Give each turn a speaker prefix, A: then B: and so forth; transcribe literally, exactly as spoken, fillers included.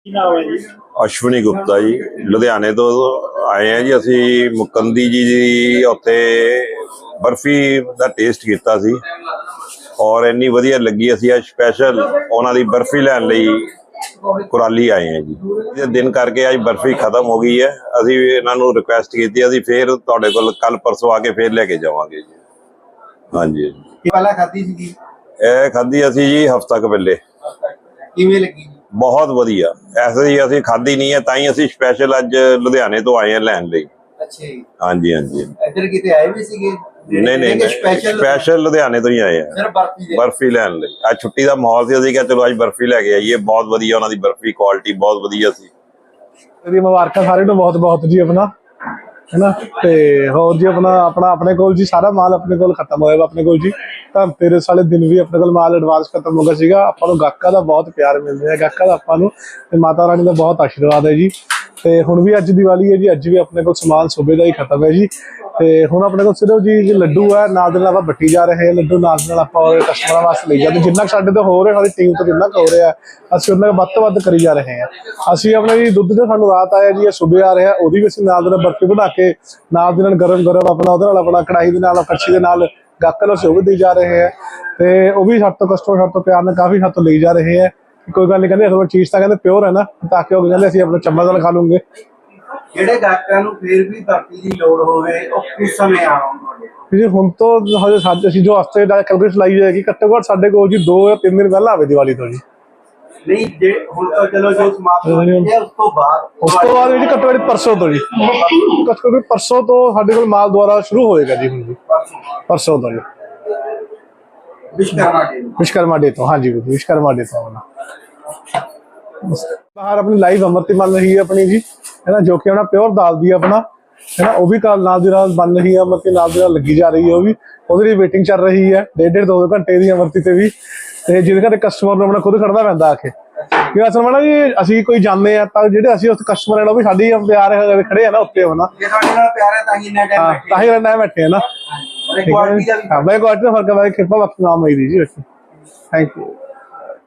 A: अश्विनी गुप्ता जी लुधियाने तो आए हैं जी। असी मुकंदी जी दी उत्थे बर्फी का टेस्ट किया सी और इन्नी वधिया लगी। असी अज स्पैशल उन्हां दी बर्फी लैण लई कुराली आए हैं जी। दिन करके अज बर्फी खत्म हो गई है। असी इन्हां नूं रिक्वेस्ट की असी फिर तुहाडे कोल कल परसों आके फिर लैके जावांगे जी। हाँ जी
B: पहला खाधी सी
A: ਇਹ ਖਾਧੀ ਅਸੀਂ जी हफ्ता क पहले।
B: किवें लगी?
A: बहुत वधिया। ऐसे ही असी खाधी नहीं है ताई असी स्पैशल अज लुधियाने तो आए हैं लैण लई।
B: अच्छा जी।
A: हाँ जी हाँ जी
B: इधर किते आए भी सीगे?
A: नहीं नहीं
B: स्पेशल
A: स्पैशल लुधियाने तो ही आए हैं
B: सिर्फ बर्फी
A: बर्फी लैण लई। अज छुट्टी का माहौल सी असीं कहा चलो अज बर्फी लैके आईए। बहुत वधिया उन्हां दी बर्फी क्वालिटी बहुत वधिया सी।
C: मुबारक सारे नूं बहुत बहुत जी अपना है ना। तो होर जी अपना अपना अपने कोल जी सारा माल अपने कोल खत्म होया अपने कोल जी। धनतेरस वाले दिन भी अपने कोल माल एडवांस खत्म हो गया सीगा। आपां नूं गाहकां दा बहुत प्यार मिल रहा है। गाहकां दा आपां नूं ते माता रानी का बहुत आशीर्वाद है जी। तो हुण भी अज दिवाली है जी। अज भी अपने कोल समान सूबे का ही खत्म है जी। तो हुण अपने कोल सिर्फ जी लड्डू है नाल दे नाल आपां बट्टी जा रहे हैं। लड्डू नाल दे नाल आपां कस्टमरां वास्ते लई जांदे जिन्ना साडे तो हो रहा साडी टीम तो जिन्ना हो रहा है असीं उन्ना वध तों वध करी जा रहे हैं। असीं अपने जी दुध जो सानूं रात आया जी सूबे आ रहा ओहदी भी असीं नाल दे नाल बर्फी बना के नाल दे नाल गरम गरम अपना उहदे नाल अपना कढ़ाई दे नाल कड़छी दे नाल गाहकां नूं सूबे दी जा रहे हैं। तो वह भी साडे तो कस्टमर साडे तो प्यार नाल काफ़ी साडे तो ले जा रहे हैं। कोई गल नहीं कहते चीज़ तो कहते प्योर है ना ताकि वो कहते असीं अपने चम्मच नाल खा लूंगे।
B: ਜਿਹੜੇ ਗਾਹਕਾਂ ਨੂੰ ਫਿਰ ਵੀ ਬਰਫੀ ਦੀ ਲੋੜ ਹੋਵੇ ਉਹ ਕਿਸ ਸਮੇਂ ਆਉਣ
C: जी हुण तो हजे साडे असीं जो हफ्ते दा कैलकुलेट लाई जाएगी घट्टो घट्ट साडे कोल जी दो या तीन दिन पहला आवे दिवाली तो जी।
B: नहीं जे हुण तो चलो जो समाप्त हो गया उस तो बाद
C: उस तो बाद जी घट्टो घट्ट परसों तो जी घट्टो घट्ट परसों तो साडे कोल माल दोबारा शुरू होएगा जी। हुण जी परसों तो जी
B: विश्वकर्मा डे
C: विश्वकर्मा डे तो हाँ जी विश्वकर्मा डे तो अपना बाहर अपनी लाइव अमृति बन रही है अपनी जी है ना जो कि अपना प्योर दाल दी अपना है ना। वो भी कल नाल दी नाल बन रही है अमृति नाल दी नाल लगी जा रही है। वो भी ਉਹਦੇ ਲਈ वेटिंग चल रही है डेढ़ डेढ़ दो दो घंटे की अमृति से भी। तो जिहदे घरे कस्टमर ਨੂੰ अपना खुद खड़ना पैंदा आके कि असल में ना जी ਅਸੀਂ कोई जाने आ ਤਾਂ ਜਿਹੜੇ ਅਸੀਂ ਉਸ ਕਸਟਮਰ ਨਾਲ ਉਹ ਵੀ ਸਾਡੀ ਪਿਆਰ ਖੜੇ ਆ ਨਾ ਉੱਤੇ ਹੋਣਾ
B: ਜੇ ਤੁਹਾਡੇ ਨਾਲ ਪਿਆਰ ਹੈ ਤਾਂ ਹੀ ਇੰਨਾ ਟਾਈਮ ਬੈਠੇ
C: ਤਾਂ ਹੀ ਇੰਨਾ ਬੈਠੇ ਆ ਨਾ।
B: ਕੁਆਲਿਟੀ ਦਾ ਵੀ
C: ਹਾਂ ਬਈ ਕੁਆਲਿਟੀ ਦਾ ਫਰਕ ਹੈ ਬਾਈ ਕਿਰਪਾ ਬਖਸ਼ ਨਾਮ ਹੋਈ ਦੀ ਜੀ। Thank you.